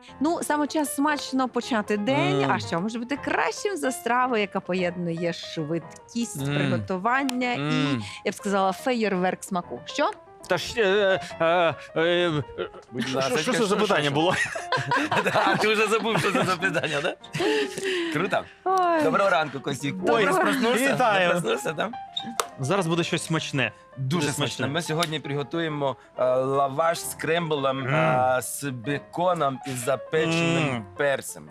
Ну, саме час смачно почати день. А що може бути кращим за страву, яка поєднує швидкість приготування і, я б сказала, феєрверк смаку. Що? Та ж, Будь що ласка, це за питання було? А ти вже забув, що це за питання, так? Круто. Ой. Доброго ранку, Костік. Ой, проснувся? вітаю. Не проснувся, так? Зараз буде щось смачне. Дуже смачно. Ми сьогодні приготуємо лаваш з кремблем з беконом і запеченим перцем.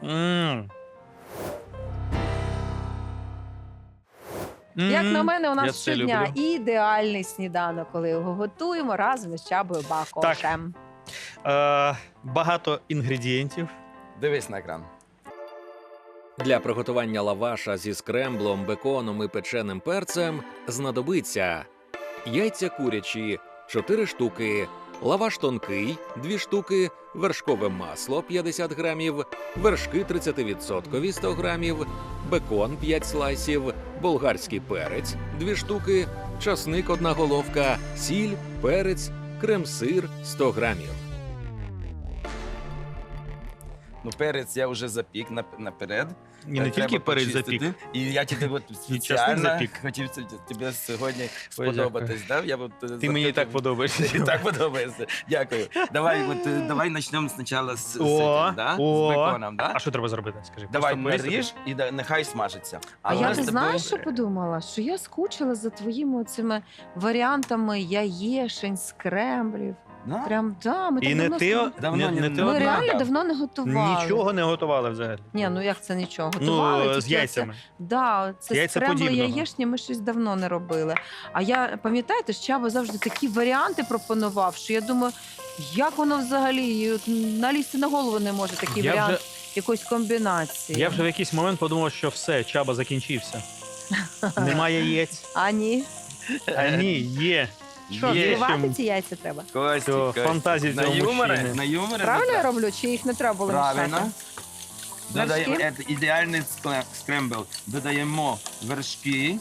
Як на мене, у Я нас це щодня люблю. ідеальний сніданок, коли його готуємо разом з Чабою Бакошем. Багато інгредієнтів. Дивись на екран. Для приготування лаваша зі скремблом, беконом і печеним перцем знадобиться яйця курячі 4 штуки, лаваш тонкий 2 штуки, вершкове масло 50 грамів, вершки 30% 100 грамів, бекон 5 слайсів, болгарський перець 2 штуки, часник 1 головка, сіль, перець, крем-сир 100 грамів. Ну, перець я вже запік наперед. І не тільки Треба перець почистити. запік. І я тебе от часник спеціально запік. хотів тобі сьогодні Ой, сподобатись. Да? Я от, Ти мені і так подобаєшся. І так подобається. Дякую. Давай почнемо спочатку з О. беконом. Да? А що треба зробити? Скажи. Давай Просто порізати? наріж і нехай смажиться. А у я нас ти з тобою- знаєш, що подумала? Що я скучила за твоїми цими варіантами яєшень, скремблів. Да? Прям, да, ми І так не давно ти, Давно не не- ти Ми одна. реально давно не готували. нічого не готували взагалі. Ні, ну як це нічого? Готували Ну, тільки з оце- яйцями. Да, це Яйця скрембли подібного. яєчні ми щось давно не робили. А я, пам'ятаєте, Чаба завжди такі варіанти пропонував, що я думаю, як воно взагалі і от налізти на голову не може такий Я варіант вже- якоїсь комбінації. Я вже в якийсь момент подумав, що все, Чаба закінчився. Немає яєць. А ні. А ні, є. Що, Є збивати чим. ці яйця треба? Костік, Все, Костік. фантазії на цього юмори, мужчини. на юмори. Правильно я не роблю, чи їх не треба було Правильно. мішати? Додаємо Вершки? ідеальний скрембл. Додаємо вершки.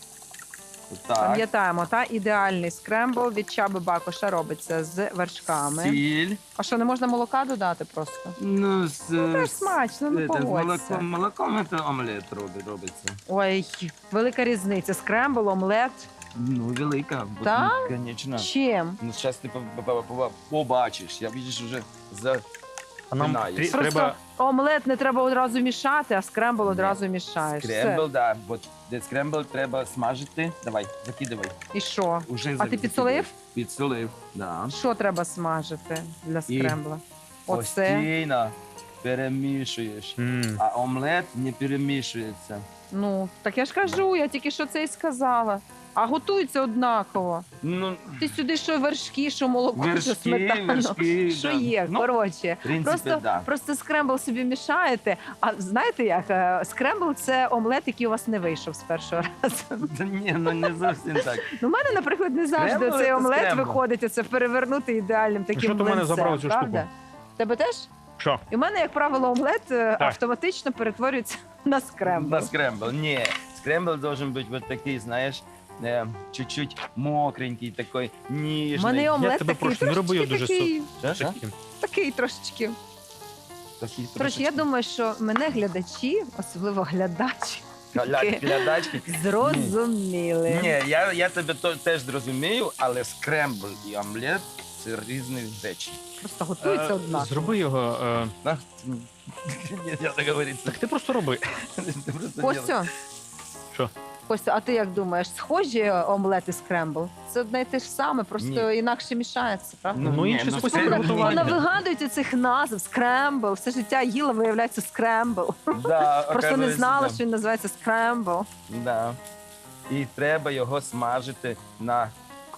Так. Пам'ятаємо, та ідеальний скрембл від Чаби Бакоша робиться з вершками. Сіль. А що, не можна молока додати просто? Ну, Теж смачно, ну з погодься. молоком це омлет робиться. Ой, велика різниця. Скрембл, омлет. Ну, велика. Так? Звісно. Чим? Ну, зараз ти побачиш. Я бачиш вже за... А нам Знаю. Просто треба. омлет не треба одразу мішати, а скрембл одразу мішаєш. Скрембл, Все. да. От, де скрембл треба смажити. Давай, закидавай. І що? Уже А ти закидавай. підсолив? Підсолив, да. Що треба смажити для скрембла? Оце. Постійно перемішуєш. А омлет не перемішується. Ну, так я ж кажу, я тільки що це і сказала. А готується однаково. Ну, Ти сюди що вершки, що молоко, що вершки, сметану. вершки. Що да. є, Ну, коротше. в принципі, Просто, да. просто скрембл собі мішаєте. А знаєте як? Скрембл – це омлет, який у вас не вийшов з першого разу. Та ні, ну не зовсім так. Ну, у мене, наприклад, не завжди Скрембл цей це омлет скрембл. виходить, оце перевернути ідеальним таким Що ти в мене млинцем, забрав цю правда? штуку? Тебе теж? Що? І в мене, як правило, омлет автоматично перетворюється на скрембл. На скрембл. Ні, скрембл должен бути вот такий, знаєш, чуть-чуть мокренький, такий ніжний. У мене і омлет тебе такий, прошу, не роби його трошечки дуже такий, Що? Таким. такий трошечки. Такий Коротше, трошечки. я думаю, що мене глядачі, особливо глядачі, Глядачки. зрозуміли. Ні, я тебе теж зрозумію, але скрембл і омлет – це різні речі. Просто готується однаково. Зроби його. Да? Ні, я так говорити. Так ти просто роби. Ти просто Костю, Що? Костю, а ти як думаєш, схожі омлет і скрембл? Це одне і те ж саме, просто інакше мішається, правда? Ну, ні, інший ну, спосіб це- приготування. Вона вигадується цих назв, скрембл. Все життя їла, виявляється, скрембл. Да, Просто не оказується, знала, да. що він називається скрембл. Да. І треба його смажити на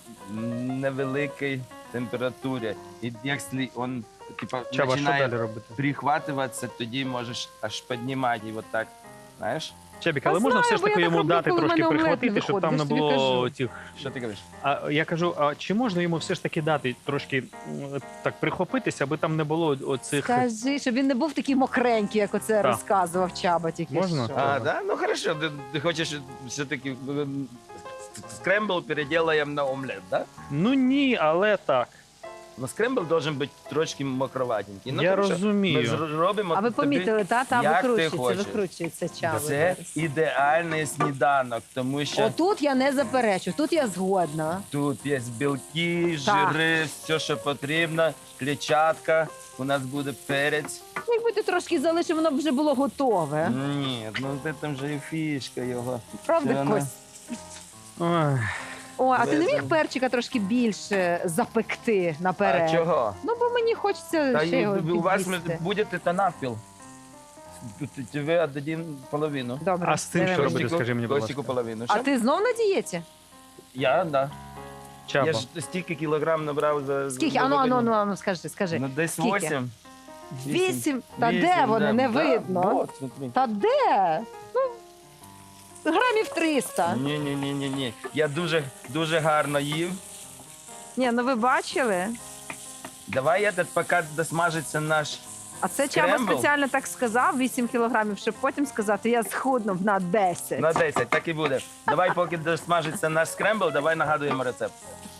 невеликій температурі. І якщо він типа, Чаба, що починає далі робити? прихватуватися, тоді можеш аж піднімати його так, знаєш? Чебік, Та але можна знаю, все ж бо я таки так йому роблю, дати коли в трошки мене омлет не прихватити, щоб там не виходить, я ж тобі було кажу. тих. Що ти кажеш? А я кажу, а чи можна йому все ж таки дати трошки так прихопитися, аби там не було оцих. Скажи, щоб він не був такий мокренький, як оце Так. розказував Чаба тільки Можна? що. А, да? Ну хорошо, ти хочеш все-таки скрембл переділаємо на омлет, да? Ну ні, але так. Но скрембл должен бути трошки мокроватенький. Я тому що розумію. Ми робимо А ви тобі, помітили, та як ти хочеш. викручується чаба. Це зараз. ідеальний сніданок, тому що Отут я не заперечу, тут я згодна. тут є білки, Так. жири, все, що потрібно, клітчатка, у нас буде перець. Якби ти трошки залишив, воно б вже було готове. Ні, ну це там вже і фішка його. Правда, Це вона- Кость? Ой. О, а ти не Лезе. міг перчика трошки більше запекти наперед? А чого? Ну, бо мені хочеться Та ще й його у вас під'їсти. буде та навпіл. Ви віддадим половину. Добре. А з цим що давай. робити? скажи мені, будь Костіку ласка. половину. А Що? ти знов на дієті? Я, да. Чаба. Я ж стільки кілограм набрав за... Скільки? за вихідні. Ану, скажи. Ну, десь Скільки? 8. 8? Та де вони? Не видно. Вот, смотри. Та де? Ну, грамів 300. Ні. Я дуже гарно їв. Ні, ну ви бачили? Давай я поки досмажиться наш... А це Чаба Скрембл? спеціально так сказав, 8 кілограмів, щоб потім сказати, я схуднув на 10. На 10, так і буде. Давай, поки досмажиться наш скрембл, давай нагадуємо рецепт.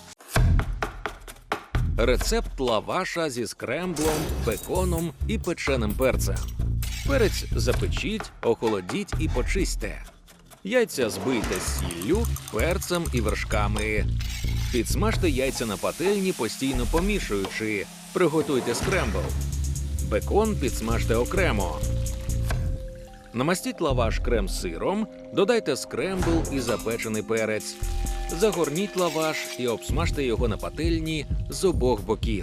Рецепт лаваша зі скремблом, беконом і печеним перцем. Перець запечіть, охолодіть і почистьте. Яйця збийте з сіллю, перцем і вершками. Підсмажте яйця на пательні, постійно помішуючи. Приготуйте скрембл. Бекон підсмажте окремо. Намастіть лаваш крем-сиром, додайте скрембл і запечений перець. Загорніть лаваш і обсмажте його на пательні з обох боків.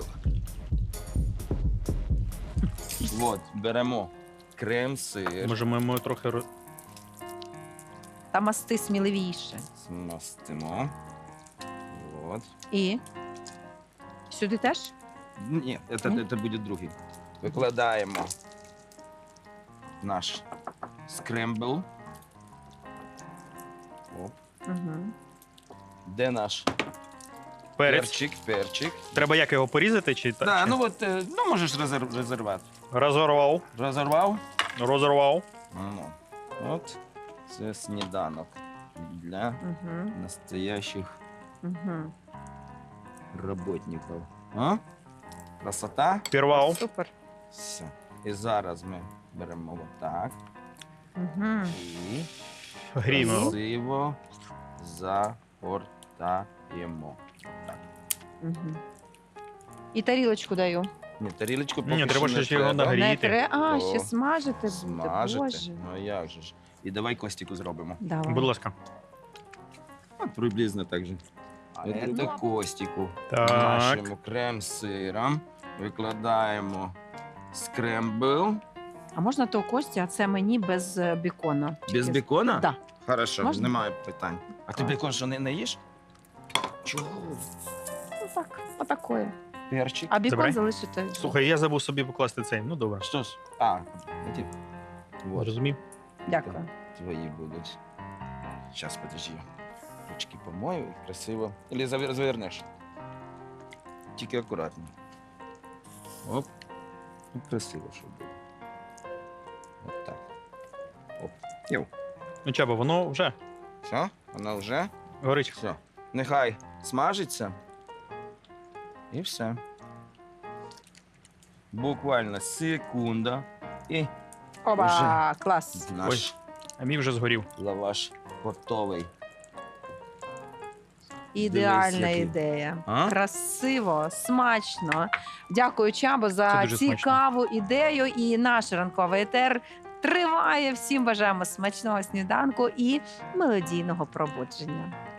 От, беремо крем-сир, Може, ми йому трохи Та масти сміливіше. смастимо. От. І? Сюди теж? Ні, це буде другий. Викладаємо наш скрембл. Оп. Угу. Де наш перець. перчик. Треба як його порізати чи так? Да, чи- ну от, ну можеш розірвати. Розорвав. Розорвав? Ну, от це сніданок для Угу. настоящих Угу. работників. А? Красота? Пірвав. Супер. Все. І зараз ми беремо отак Угу. і Гріємо. красиво загортаємо. Так. Угу. І тарілочку даю. Ні, тарілочку поки Ні, треба що ще його треба. нагріти. Не А, О, ще смажити буде. Смажити. Боже. Ну як же ж. І давай Костіку зробимо. Давай. Будь ласка. Приблизно так же. А це Костіку. Так. Нашому крем-сиром викладаємо скрембл. А можна то Кості, а це мені без бекона. Без Тільки- бекона? Да. Хорошо, Можна? немає питань. А ти Так. бекон що не їш? Чого? Ну так, отакої. Перчик. А бекон Забирай. залишити. Слухай, я забув собі покласти цей. Ну добре. Що ж? Ті. Вот, Розумів. Дякую. твої будуть. Зараз, подожди. Ручки помою і красиво. Или завернеш. Тільки акуратно. Оп. Ну, красиво, щоб було. От так. Оп. Йоу. Ну, Чаба, воно вже Все? Воно вже? горить. Все. Нехай смажиться. І все. Буквально секунда. І Оба, клас. наш А мій вже згорів. лаваш готовий. Ідеальна який. ідея. А? Красиво, смачно. Дякую, Чабо, Це за дуже цікаву ідею. І наш ранковий етер триває. Всім бажаємо смачного сніданку і мелодійного пробудження.